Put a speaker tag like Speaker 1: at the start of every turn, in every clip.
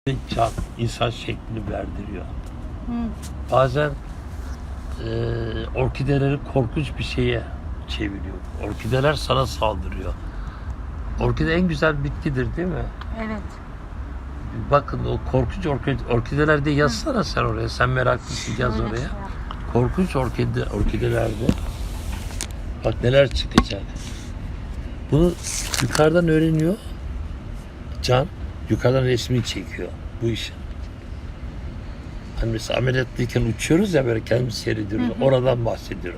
Speaker 1: can insan şeklini verdiriyor.
Speaker 2: Hı.
Speaker 1: Bazen orkideleri korkunç bir şeye çeviriyor. Orkideler sana saldırıyor. Orkide en güzel bitkidir değil mi?
Speaker 2: Evet.
Speaker 1: Bakın o korkunç orkidelerde yazsana sen oraya. Sen meraklısın, yaz
Speaker 2: Öyle
Speaker 1: oraya.
Speaker 2: şey yap.
Speaker 1: Korkunç orkidelerde bak neler çıkacak. Bunu yukarıdan öğreniyor. Can yukarıdan resmini çekiyor bu işin. Hani mesela ameliyatlıyken uçuyoruz ya böyle kendimiz seyrediyoruz. Oradan bahsediyorum.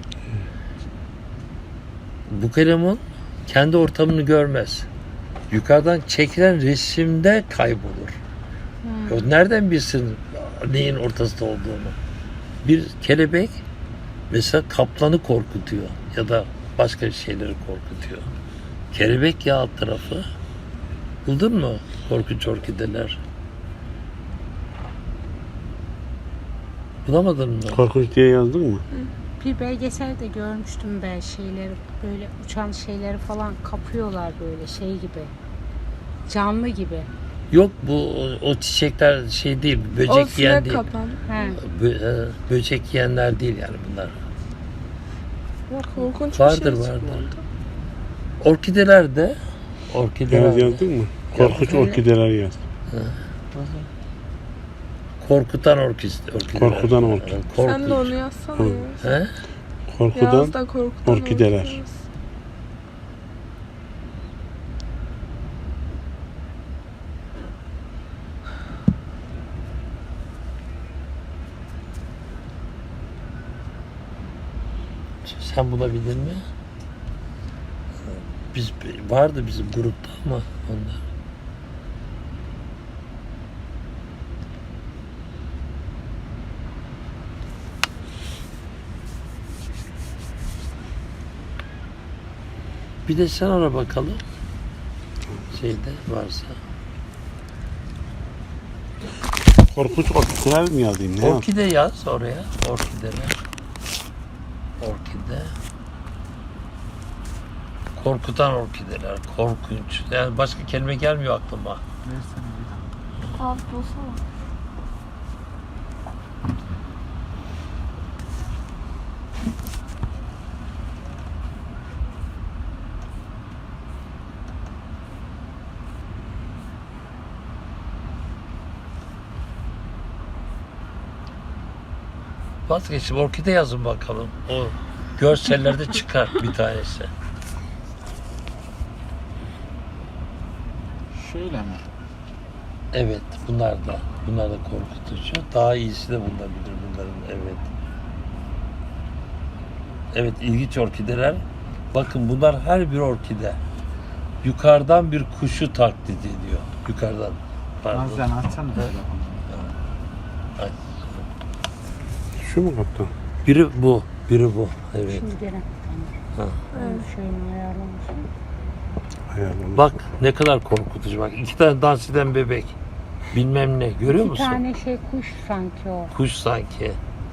Speaker 1: Bu kalemun kendi ortamını görmez. Yukarıdan çekilen resimde kaybolur. O nereden bilsin neyin ortasında olduğunu? Bir kelebek mesela kaplanı korkutuyor ya da başka şeyleri korkutuyor. Kelebek ya alt tarafı. Buldun mu korkunç orkideler? Bulamadın mı?
Speaker 3: Korkunç diye yazdın mı?
Speaker 2: Bir belgeselde görmüştüm ben şeyleri, böyle uçan şeyleri falan kapıyorlar böyle şey gibi. Canlı gibi.
Speaker 1: Yok bu o çiçekler şey değil, böcek yiyen değil.
Speaker 2: He.
Speaker 1: Böcek yiyenler değil yani bunlar.
Speaker 2: Yok.
Speaker 4: Korkunç
Speaker 1: Vardır
Speaker 4: bir şey
Speaker 1: vardır.
Speaker 4: çıkmadı.
Speaker 1: Orkideler de
Speaker 3: Yaz yazdın mı? Korkunç orkideler yaz.
Speaker 1: korkutan orkideler.
Speaker 3: Korkutan orkide.
Speaker 4: Sen de onu yazsana
Speaker 3: Hı.
Speaker 4: ya.
Speaker 1: He?
Speaker 3: Korkudan
Speaker 4: Yaz da korkutan
Speaker 3: orkideler.
Speaker 4: orkideler.
Speaker 1: Sen bulabildin mi? Vardı bizim grupta ama onlar. Bir de sen ara bakalım. Şeyde varsa.
Speaker 3: Korkunç orkideler mi yazayım? Ne yaz?
Speaker 1: Orkide yaz oraya. Orkideler. Orkide. Korkutan orkideler. Korkunç. Yani başka kelime gelmiyor aklıma.
Speaker 4: Abi bulsana.
Speaker 1: Vazgeçtim. Orkide yazın bakalım. O görsellerde çıkar bir tanesi.
Speaker 5: Şöyle mi?
Speaker 1: Evet. Bunlar da korkutucu. Daha iyisi de bulunabilir bunların. Evet. Evet. İlginç orkideler. Bakın bunlar her bir orkide. Yukarıdan bir kuşu taklit ediyor. Yukarıdan. Pardon.
Speaker 5: Nazcan açsana telefonu.
Speaker 1: Ay.
Speaker 3: Şu mu kaptan?
Speaker 1: Biri bu. Evet.
Speaker 2: Şimdi gene.
Speaker 1: Ha.
Speaker 2: Şeyini ayarlamışım.
Speaker 3: Ayarlamış.
Speaker 1: Bak ne kadar korkutucu. Bak 2 tane dans eden bebek. Bilmem ne. Görüyor
Speaker 2: Bir
Speaker 1: musun?
Speaker 2: tane şey kuş sanki o.
Speaker 1: Kuş sanki.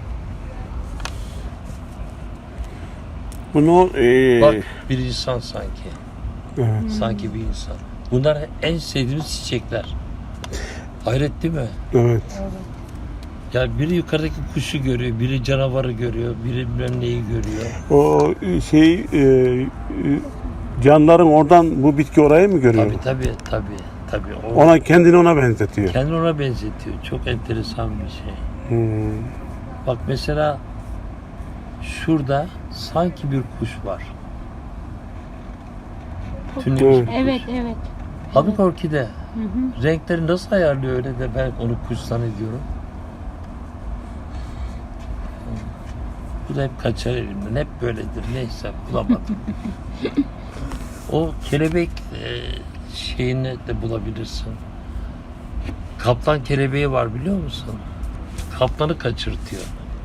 Speaker 3: Bunu
Speaker 1: Bak bir insan sanki.
Speaker 3: evet.
Speaker 1: Sanki bir insan. Bunlar en sevdiğimiz çiçekler. Hayret değil mi?
Speaker 3: Evet.
Speaker 1: Ya biri yukarıdaki kuşu görüyor, biri canavarı görüyor, biri bilmem neyi görüyor.
Speaker 3: O şey canların oradan bu bitki orayı mı görüyor?
Speaker 1: Tabii.
Speaker 3: Kendini ona benzetiyor.
Speaker 1: Kendini ona benzetiyor. Çok enteresan bir şey.
Speaker 3: Hmm.
Speaker 1: Bak mesela şurada sanki bir kuş var. Tünnemiş bir kuş.
Speaker 2: Evet.
Speaker 1: Halbuki orkide.
Speaker 2: Hı hı.
Speaker 1: Renkleri nasıl ayarlıyor öyle de ben onu kuş zannediyorum. Bu da hep kaçar elimden. Hep böyledir. Neyse bulamadım. O kelebek şeyini de bulabilirsin. Kaplan kelebeği var biliyor musun? Kaplanı kaçırtıyor.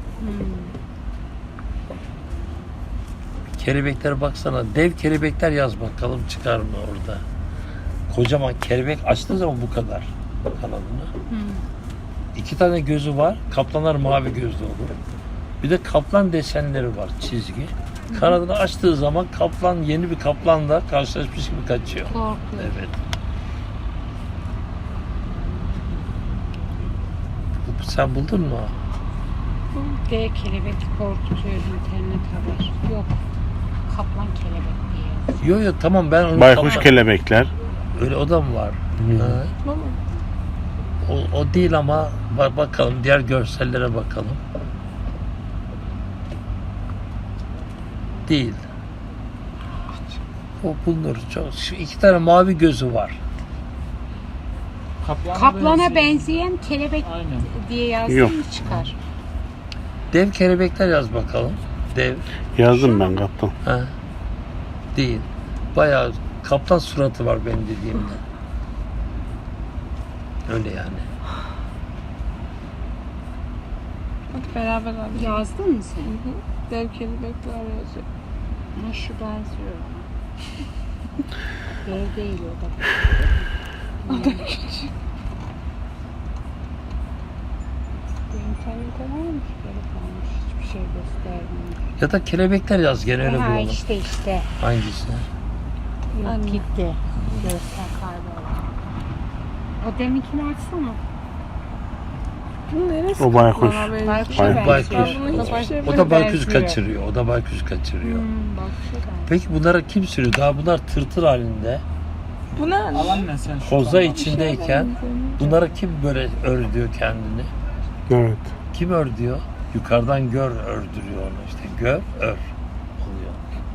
Speaker 1: Kelebekler baksana. Dev kelebekler yaz bakalım çıkar mı orada. Kocaman kelebek açtığı zaman bu kadar kanadını. 2 tane gözü var. Kaplanlar mavi gözlü olur. Bir de kaplan desenleri var, çizgi. Kanadını açtığı zaman kaplan yeni bir kaplanla karşılaşmış gibi kaçıyor.
Speaker 2: Korkuyor.
Speaker 1: Evet. Sen buldun mu?
Speaker 2: D kelebek korkutuyor internet haber. Yok. Kaplan kelebek diye.
Speaker 1: Yo tamam ben onu
Speaker 3: Baykuş
Speaker 1: tamam.
Speaker 3: kelebekler.
Speaker 1: Öyle o da mı var? Ha.
Speaker 4: Baba.
Speaker 1: O değil ama bakalım diğer görsellere bakalım. Değil. O bulunur. Şu 2 tane mavi gözü var.
Speaker 2: Kaplana benzeyen kelebek
Speaker 5: Aynen.
Speaker 2: diye yazdım
Speaker 3: Yok.
Speaker 2: mı çıkar?
Speaker 1: Dev kelebekler yaz bakalım. Dev.
Speaker 3: Yazdım ben kaptan.
Speaker 1: Ha. Değil. Bayağı kaplan suratı var benim dediğimde. Öyle yani.
Speaker 4: Hadi beraber abi.
Speaker 2: Yazdın mı sen?
Speaker 4: Dev kelebekler yazıyor.
Speaker 2: Ha, şu benziyor. Dev değil o da.
Speaker 4: O da küçük.
Speaker 2: Bu internete varmış böyle kalmış. Hiçbir şey göstermiyor.
Speaker 1: Ya da kelebekler yaz gene öyle
Speaker 2: Ha
Speaker 1: bulalım.
Speaker 2: işte.
Speaker 1: Hangisi?
Speaker 2: Yok
Speaker 4: Anne.
Speaker 2: gitti. Göster kayboldu. O deminkini açsana.
Speaker 4: Bu neresi?
Speaker 3: O baykuş.
Speaker 4: Bana benziyor.
Speaker 2: Baykuşa
Speaker 1: Baykuş.
Speaker 2: benziyor.
Speaker 4: Ben bunu hiçbir şey
Speaker 1: O
Speaker 2: Bu
Speaker 1: da baykuş
Speaker 2: benziyor.
Speaker 1: kaçırıyor. O da baykuş kaçırıyor.
Speaker 2: Baykuşa benziyor.
Speaker 1: Peki bunlara kim sürüyor? Daha bunlar tırtıl halinde.
Speaker 4: Bu ne anne?
Speaker 5: Alan ne sen şu
Speaker 1: Koza
Speaker 5: an?
Speaker 1: içindeyken bunlara kim böyle ördüyor kendini?
Speaker 3: Evet.
Speaker 1: Kim ördüyor? Yukarıdan gör ördürüyor onu işte. Gör, ör oluyor.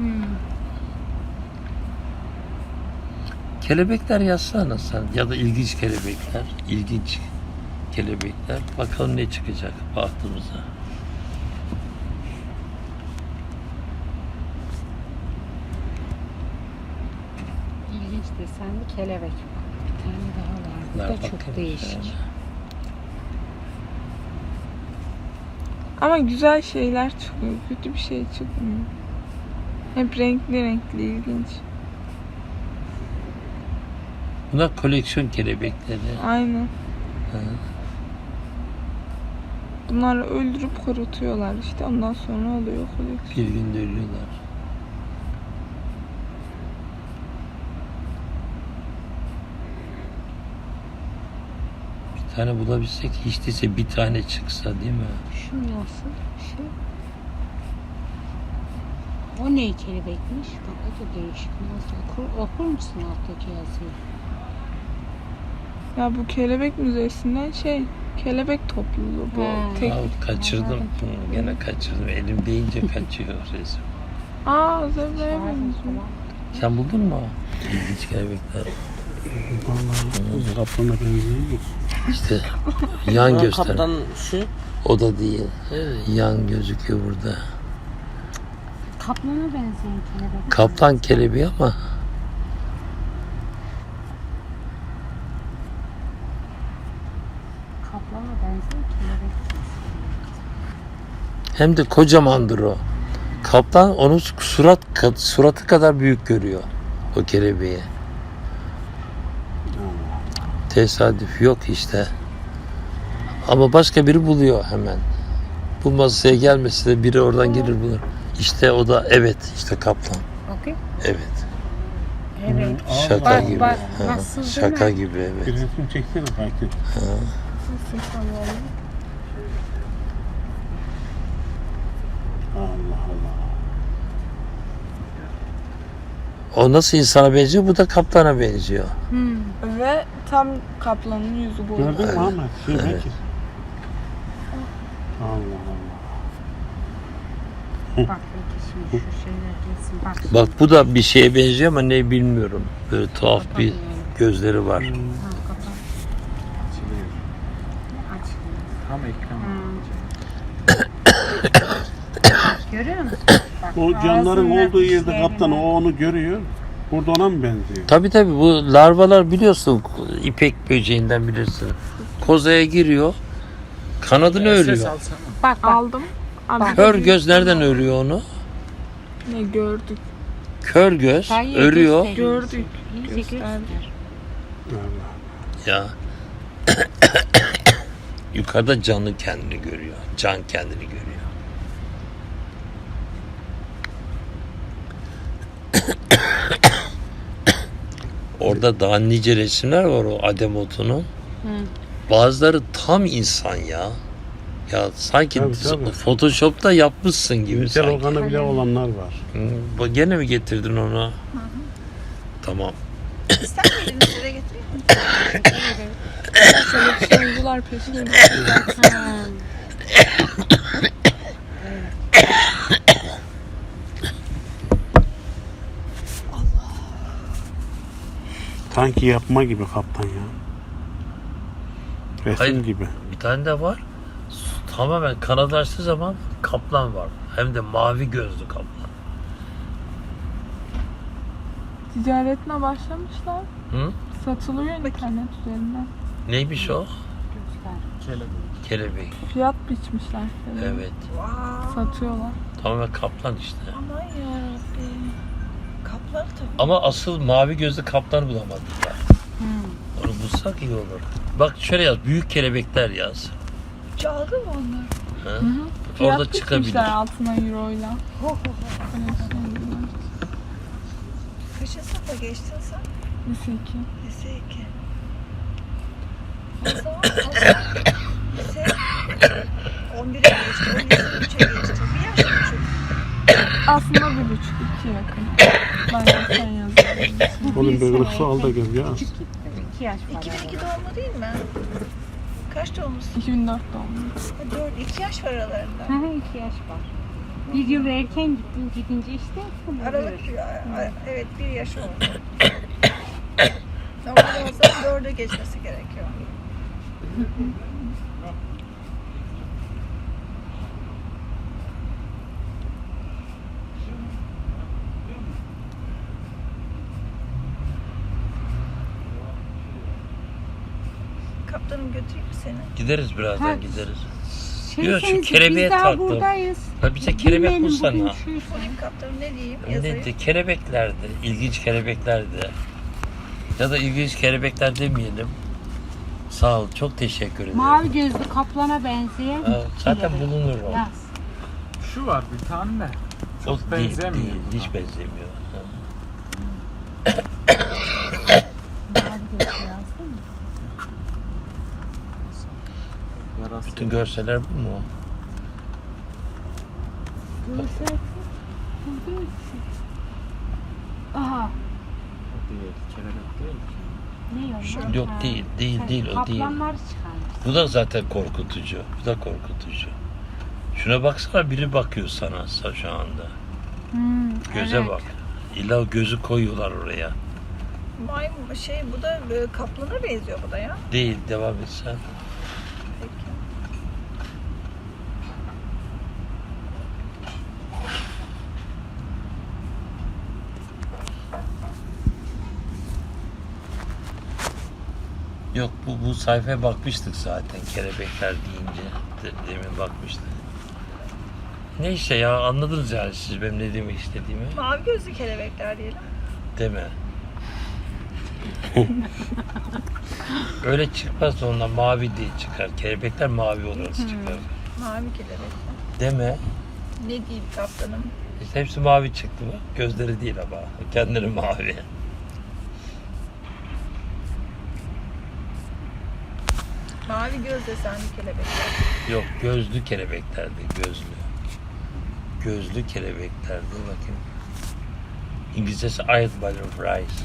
Speaker 1: Kelebekler yazsana sen ya da ilginç kelebekler. İlginç kelebekler. Bakalım ne çıkacak baktığımıza.
Speaker 2: İlginç desenli kelebek. Bir tane daha var. Bu
Speaker 1: Ver
Speaker 2: da çok
Speaker 1: bakayım.
Speaker 2: değişik.
Speaker 4: Ama güzel şeyler çıkıyor. Kötü bir şey çıkmıyor. Hep renkli renkli ilginç.
Speaker 1: Bunlar koleksiyon kelebekleri.
Speaker 4: Aynen.
Speaker 1: Hı.
Speaker 4: Bunları öldürüp kurutuyorlar işte. Ondan sonra oluyor koleksiyon.
Speaker 1: Bir günde ölüyorlar. Bir tane bulabilsek hiç değilse bir tane çıksa değil mi?
Speaker 2: Şu nasıl? Şu. O ne kelebekmiş? Bak o da değişik. Nasıl? Okur musun alttaki yazıyı?
Speaker 4: Ya bu kelebek müzesinden kelebek topluluğu bu.
Speaker 2: Ha.
Speaker 4: Tek...
Speaker 1: Ya kaçırdım. Hı, gene kaçırdım. Elim deyince kaçıyor resim.
Speaker 4: Aa zebraya
Speaker 2: Var mı
Speaker 4: benziyor.
Speaker 2: falan?
Speaker 1: Sen buldun mu? İlginç kelebekler.
Speaker 3: Vallahi kaplana benziyor.
Speaker 1: İşte yan göster.
Speaker 6: Kaptan şu.
Speaker 1: O da değil. Yan gözüküyor burada.
Speaker 2: Kaplana benzeyen kelebek.
Speaker 1: Kaplan kelebeği ama
Speaker 2: Kaplana benzeyen kelebek.
Speaker 1: hem de kocamandır o. Kaplan onun suratı kadar büyük görüyor o kelebeği. Tesadüf yok işte. Ama başka biri buluyor hemen. Bu masaya gelmesi de biri oradan gelir bulur. İşte o da evet işte kaplan.
Speaker 2: Bakayım.
Speaker 1: Evet.
Speaker 2: Evet.
Speaker 1: Şaka
Speaker 2: Bak,
Speaker 1: gibi.
Speaker 2: bak,
Speaker 1: Ha,
Speaker 2: nasıl değil
Speaker 1: şaka
Speaker 2: mi?
Speaker 1: gibi
Speaker 3: Bir
Speaker 1: evet.
Speaker 3: resim çeksene Fatih. Allah Allah.
Speaker 1: O nasıl insana benziyor? Bu da kaplana benziyor.
Speaker 4: Ve tam kaplanın yüzü bu.
Speaker 3: Gördün mü Ahmet?
Speaker 1: Evet.
Speaker 3: Bekir. Allah Allah.
Speaker 2: Bak peki şimdi şu şeyler gelsin. Bak.
Speaker 1: Bak bu da bir şeye benziyor ama ne bilmiyorum. Böyle tuhaf bir gözleri var.
Speaker 2: Ha, kapat. Açılıyor.
Speaker 5: Tam ekran.
Speaker 2: Görüyor musun? Bak,
Speaker 3: O canların
Speaker 2: ağzından
Speaker 3: olduğu yerde
Speaker 2: dişlerine-
Speaker 3: kaptan o onu görüyor. Burada ona mı benziyor?
Speaker 1: Tabii bu larvalar biliyorsun ipek böceğinden bilirsin. Kozaya giriyor. Kanadını
Speaker 5: Ses
Speaker 1: örüyor.
Speaker 5: alsana.
Speaker 2: Bak bak.
Speaker 4: Aldım. Abi
Speaker 1: Kör göz nereden örüyor onu?
Speaker 4: ne gördük.
Speaker 1: Kör göz
Speaker 2: Sen iyi
Speaker 1: örüyor.
Speaker 2: gösteriyorsun.
Speaker 4: Gördük.
Speaker 2: İyice
Speaker 4: Gösterdi.
Speaker 2: göster.
Speaker 3: Allah.
Speaker 1: Ya. Yukarıda canlı kendini görüyor. Can kendini görüyor. Orada daha nice resimler var o Ademotu'nun. Bazıları tam insan ya. Ya sanki
Speaker 3: Tabii, tabii.
Speaker 1: Photoshop'ta yapmışsın gibi
Speaker 3: İntel
Speaker 1: sanki.
Speaker 3: organı bile olanlar var.
Speaker 1: Gene mi getirdin onu? Tamam.
Speaker 5: İster miydiniz size getireyim mi?
Speaker 4: Şöyle bir şey oldular peşine.
Speaker 2: Ha.
Speaker 3: Sanki yapma gibi kaptan ya. Resim
Speaker 1: Hayır.
Speaker 3: gibi.
Speaker 1: Bir tane de var. Tamamen kanatlaştığı zaman kaplan var. Hem de mavi gözlü kaplan.
Speaker 4: Ticaretine başlamışlar.
Speaker 1: Hı?
Speaker 4: Satılıyor internet üzerinden.
Speaker 1: Neymiş o?
Speaker 2: Göster.
Speaker 1: Kelebek.
Speaker 4: Fiyat biçmişler. Böyle.
Speaker 1: Evet.
Speaker 5: Wow.
Speaker 4: Satıyorlar.
Speaker 1: Tamamen kaplan işte.
Speaker 5: Aman yarabbim. Kaplar tabii.
Speaker 1: Ama asıl mavi gözlü kaplanı bulamadık ya. Onu bulsak iyi olur. Bak şöyle yaz. Büyük kelebekler yaz.
Speaker 5: Çaldı mı onlar?
Speaker 1: Ha?
Speaker 4: Fiyat
Speaker 1: Orada çıkabilir.
Speaker 4: biçmişler altına euroyla. Öyle söylediler.
Speaker 5: Kaçın sınıfa geçtin sen?
Speaker 4: Lise 2.
Speaker 5: Lise 2. O zaman lise 11'e geçti. O lise 3'e geçti. Bir yaş küçük.
Speaker 4: Aslında 1,5-2 yakın. Ben de sen yazıyorum.
Speaker 3: Onun bir ırksı al da gel ya.
Speaker 2: 2 yaş var.
Speaker 5: 2002 doğumlu değil mi? Kaç doğumlusun?
Speaker 4: 2004 doğumlu.
Speaker 5: 2 yaş var aralarında.
Speaker 2: Hı hı, 2 yaş var. Bir yıl erken gittim, gidince işte.
Speaker 5: Aralık, evet 1 yaş oldu. Normalde o zaman 4'e geçmesi gerekiyor. Kaptanım götüreyim mi seni?
Speaker 1: Gideriz birazdan
Speaker 2: Ha.
Speaker 1: gideriz.
Speaker 2: Şey,
Speaker 1: Yok, şu kelebeğe
Speaker 2: biz daha
Speaker 1: taktım.
Speaker 2: buradayız.
Speaker 1: Ha bize kelebek
Speaker 2: Bilmeyelim
Speaker 1: bulsana.
Speaker 2: bugün şu-
Speaker 5: Bulayım kaptanım ne diyeyim? Yazayım.
Speaker 1: Ne kelebeklerdi. İlginç kelebeklerdi. Ya da ilginç kelebekler demeyelim. Sağ ol. Çok teşekkür ederim.
Speaker 2: Mavi gözlü kaplana benzeyen.
Speaker 1: Ha, zaten
Speaker 2: kelebek.
Speaker 1: bulunur o.
Speaker 2: Yaz.
Speaker 6: Şu var bir tane de.
Speaker 1: O
Speaker 6: Çok
Speaker 1: değil,
Speaker 6: benzemiyor
Speaker 1: değil.
Speaker 6: buna.
Speaker 1: Hiç benzemiyor. Ha.
Speaker 2: Mavi gözlü yazdın mı?
Speaker 6: Yarası
Speaker 1: Bütün görseller bu mu?
Speaker 2: Görsel. Aha.
Speaker 6: değil. Kelebek değil ki.
Speaker 2: Ne o?
Speaker 1: Yok, değil, değil, değil, o değil.
Speaker 2: Kaplanlar çıkarmış.
Speaker 1: Bu da zaten korkutucu. Bu da korkutucu. Şuna baksana, biri bakıyor sana şu anda. Göze
Speaker 2: evet.
Speaker 1: bak. İlla o gözü koyuyorlar oraya.
Speaker 5: Maymun bu da kaplana benziyor bu da ya.
Speaker 1: Değil, devam et sen.
Speaker 5: Peki.
Speaker 1: Yok, bu sayfaya bakmıştık zaten kelebekler deyince. Demin bakmıştık. Ne işte ya, anladınız yani siz benim ne demek istediğimi.
Speaker 5: Mavi gözlü kelebekler diyelim.
Speaker 1: Deme. Öyle çıkmaz da ondan mavi diye çıkar. Kelebekler mavi olarak çıkar.
Speaker 5: Mavi kelebekler.
Speaker 1: Deme.
Speaker 5: Ne diyeyim kaptanım?
Speaker 1: İşte hepsi mavi çıktı mı? Gözleri değil ama. Kendileri mavi.
Speaker 5: Mavi göz desenli kelebekler.
Speaker 1: Yok, gözlü kelebeklerdi, gözlü. Gözlü kelebeklerdi, bakayım. İngilizcesi Eyed Butterflies.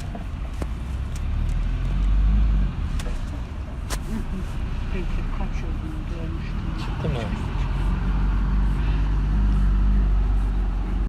Speaker 2: Peki kaç olduğunu görmüştüm.
Speaker 1: Çıktı mı?